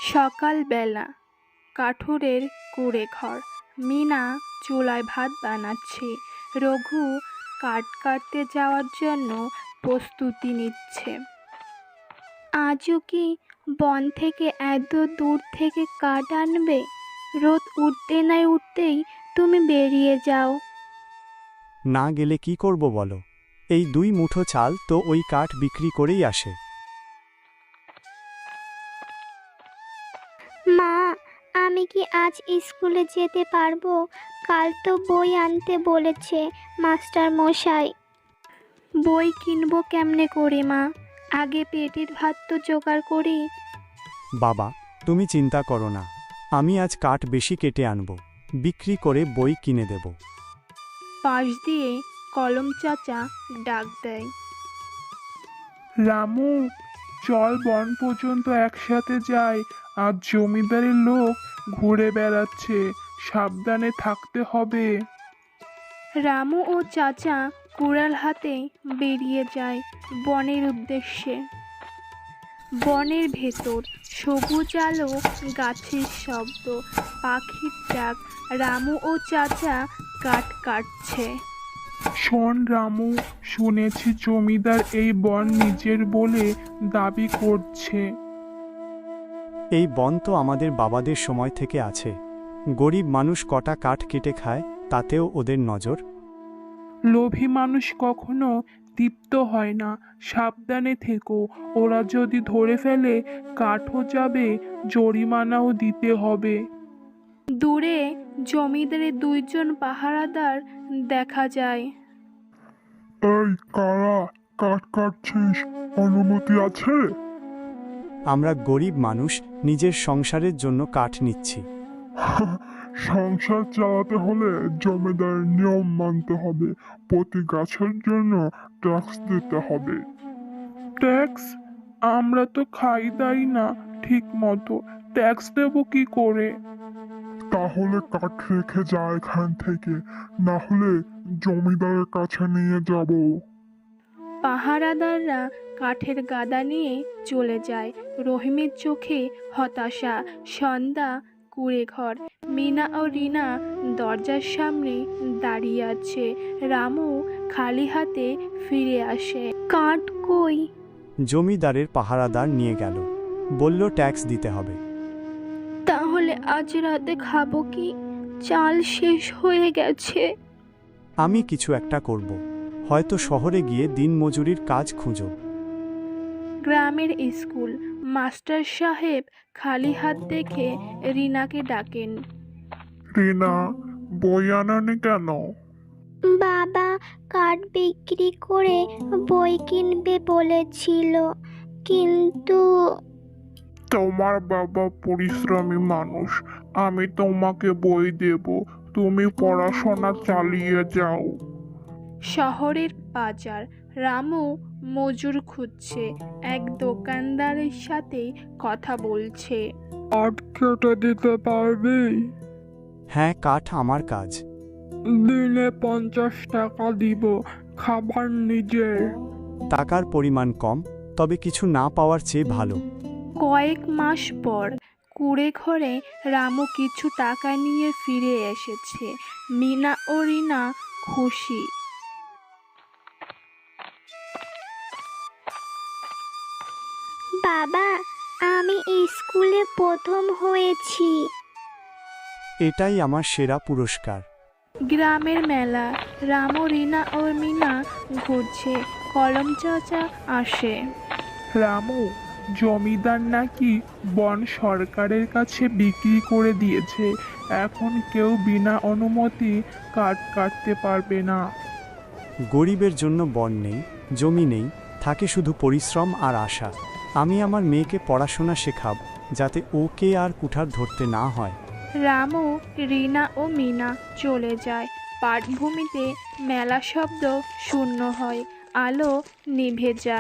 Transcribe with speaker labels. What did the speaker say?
Speaker 1: সকালবেলা কাঠুরের কুঁড়ে ঘর। মিনা চুলায় ভাত বানাচ্ছে। রঘু কাঠ কাটতে যাওয়ার জন্য প্রস্তুতি নিচ্ছে। আজও কি বন থেকে এত দূর থেকে কাঠ আনবে? রোদ উঠতে না উঠতেই তুমি বেরিয়ে যাও।
Speaker 2: না গেলে কি করব বলো? এই 2 মুঠো চাল তো ওই কাঠ বিক্রি করেই আসে।
Speaker 3: মা, আমি কি আজ স্কুলে যেতে পারবো? কাল তো বই আনতে বলেছে মাস্টার মশাই।
Speaker 1: বই কিনবো কেমনে করে মা? আগে পেটের ভাত তো জোগাড় করি।
Speaker 2: বাবা, তুমি চিন্তা করো না, আমি আজ কাঠ বেশি কেটে আনব, বিক্রি করে বই কিনে দেব।
Speaker 1: পাশ দিয়ে কলম চাচা ডাক দেয়।
Speaker 4: রামু, চল বন পর্যন্ত একসাথে যাই। আজ জমিদারের লোক ঘুরে বেড়াচ্ছে, সাবধানে থাকতে হবে।
Speaker 1: রামু ও চাচা কুড়াল হাতে বেরিয়ে যায় বনের উদ্দেশ্যে। বনের ভেতর সবুজ আলো, গাছের শব্দ, পাখির ডাক। রামু ও চাচা কাঠ কাটছে।
Speaker 4: শোন রামু, শুনেছি জমিদার এই বন নিজের বলে দাবি করছে।
Speaker 2: এই বন তো আমাদের বাবাদের সময় থেকে আছে। গরিব মানুষ কটা কাঠ কেটে খায়, তাতেও ওদের নজর।
Speaker 4: লোভী মানুষ কখনো তৃপ্ত হয় না। সাবধানে থেকো, ওরা যদি ধরে ফেলে কাঠও যাবে, জরিমানাও দিতে হবে।
Speaker 1: দূরে জমিদারের 2 জন পাহারাদার দেখা যায়।
Speaker 5: এই কারা? কাঠ কাটছিস? অনুমতি আছে?
Speaker 2: আমরা গরিব মানুষ, নিজের সংসারের জন্য কাঠ নিচ্ছি।
Speaker 5: সংসার চালাতে হলে জমিদারের নিয়ম মানতে হবে। প্রতি গাছের জন্য ট্যাক্স দিতে হবে।
Speaker 4: ট্যাক্স? আমরা তো খাই দাই না ঠিক মতো, ট্যাক্স দেবো কি করে?
Speaker 5: তাহলে কাঠ রেখে যা এখান থেকে, না হলে জমিদারের কাছে নিয়ে যাব।
Speaker 1: পাহারাদাররা কাঠের গাদা নিয়ে চলে যায়। রহিমের চোখে হতাশা। সন্ধ্যা, কুঁড়ে ঘর। মিনা ও রিনা দরজার সামনে দাঁড়িয়ে আছে। রামু খালি হাতে ফিরে আসে। কাঠ কই?
Speaker 2: জমিদারের পাহারাদার নিয়ে গেল, বলল ট্যাক্স দিতে হবে।
Speaker 1: তাহলে আজ রাতে খাবো কি? চাল শেষ হয়ে গেছে।
Speaker 2: আমি কিছু একটা করব, হয়তো শহরে গিয়ে দিনমজুরির কাজ খুঁজো।
Speaker 1: গ্রামের স্কুল। মাস্টার সাহেব খালি হাত দেখে রিনাকে ডাকেন।
Speaker 5: রিনা, বই আনানি কেন?
Speaker 3: বাবা কাঠ বিক্রি করে বই কিনবে বলেছিল, কিন্তু
Speaker 5: তোমার বাবা পরিশ্রমী মানুষ, আমি তোমাকে বই দেব, তুমি পড়াশোনা চালিয়ে যাও।
Speaker 1: শহরের বাজার। রামু মজুর খুঁজছে। এক দোকানদারের সাথে কথা বলছে।
Speaker 4: কাঠ কেটে দিতে পারবি?
Speaker 2: হ্যাঁ, কাঠ আমার কাজ।
Speaker 4: দিনে 50 টাকা দিব, খাবার নিজের।
Speaker 2: টাকার পরিমাণ কম, তবে কিছু না পাওয়ার চেয়ে ভালো।
Speaker 1: কয়েক মাস পর কুঁড়ে ঘরে রামু কিছু টাকা নিয়ে ফিরে এসেছে। মিনা ও রিনা খুশি।
Speaker 3: বাবা, আমি স্কুলে প্রথম হয়েছি।
Speaker 2: এটাই আমার সেরা পুরস্কার।
Speaker 1: গ্রামের মেলা। রামু, রিনা ও মিনা ঘুরছে। কলম চাচা আসে।
Speaker 4: রামু, জমিদার নাকি বন সরকারের কাছে বিক্রি করে দিয়েছে। এখন কেউ বিনা অনুমতি কাঠ কাটতে পারবে না।
Speaker 2: গরিবের জন্য বন নেই, জমি নেই, থাকে শুধু পরিশ্রম আর আশা। আমি আমার মেয়েকে পড়াশোনা শেখাব, যাতে ওকে আর কুঠার ধরতে না হয়।
Speaker 1: রামু, রিনা ও মিনা চলে যায়। পাটভূমিতে মেলা শব্দ শূন্য হয়। আলো নিভে যায়।